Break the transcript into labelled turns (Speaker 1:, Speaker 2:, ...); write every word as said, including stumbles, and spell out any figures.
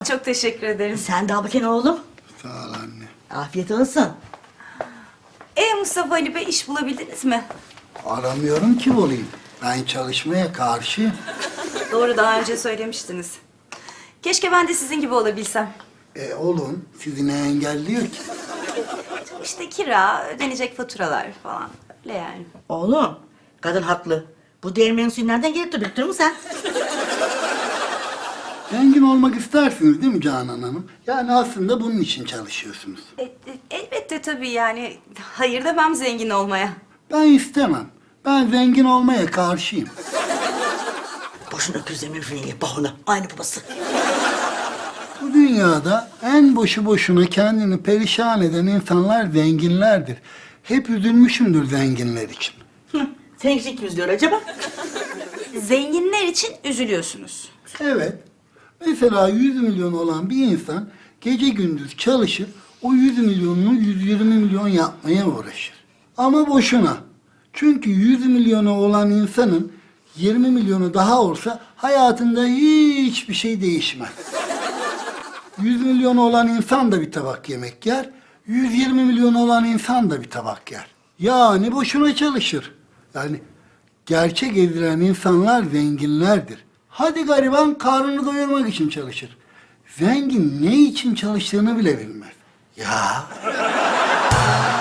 Speaker 1: Çok teşekkür ederim.
Speaker 2: Sen de al bakayım oğlum.
Speaker 3: Sağ ol anne.
Speaker 2: Afiyet olsun.
Speaker 1: E Mustafa Ali Bey, iş bulabildiniz mi?
Speaker 3: Aramıyorum ki bulayım. Ben çalışmaya karşıyım.
Speaker 1: Doğru, daha önce söylemiştiniz. Keşke ben de sizin gibi olabilsem.
Speaker 3: E olun, sizi ne engelliyor ki?
Speaker 1: İşte kira, ödenecek faturalar falan. Öyle yani.
Speaker 2: Oğlum, kadın haklı. Bu değirmenin suyu nereden gelip de biriktiriyor musun sen?
Speaker 3: Zengin olmak istersiniz değil mi Canan Hanım? Yani aslında bunun için çalışıyorsunuz.
Speaker 1: E, e, elbette tabii yani. Hayır demem zengin olmaya.
Speaker 3: Ben istemem. Ben zengin olmaya karşıyım.
Speaker 2: Boşuna öküzlemin filini, bahuna. Aynı babası.
Speaker 3: Bu dünyada en boşu boşuna kendini perişan eden insanlar zenginlerdir. Hep üzülmüşümdür zenginler için.
Speaker 2: Hı, senin için kim üzülüyor acaba?
Speaker 1: Zenginler için üzülüyorsunuz.
Speaker 3: Evet. Mesela yüz milyon olan bir insan gece gündüz çalışır, o yüz milyonunu yüz yirmi milyon yapmaya uğraşır. Ama boşuna. Çünkü yüz milyonu olan insanın yirmi milyonu daha olsa hayatında hiçbir şey değişmez. yüz milyonu olan insan da bir tabak yemek yer, yüz yirmi milyon olan insan da bir tabak yer. Yani boşuna çalışır. Yani gerçek ezilen insanlar zenginlerdir. Hadi gariban karnını doyurmak için çalışır. Zengin ne için çalıştığını bile bilmez. Ya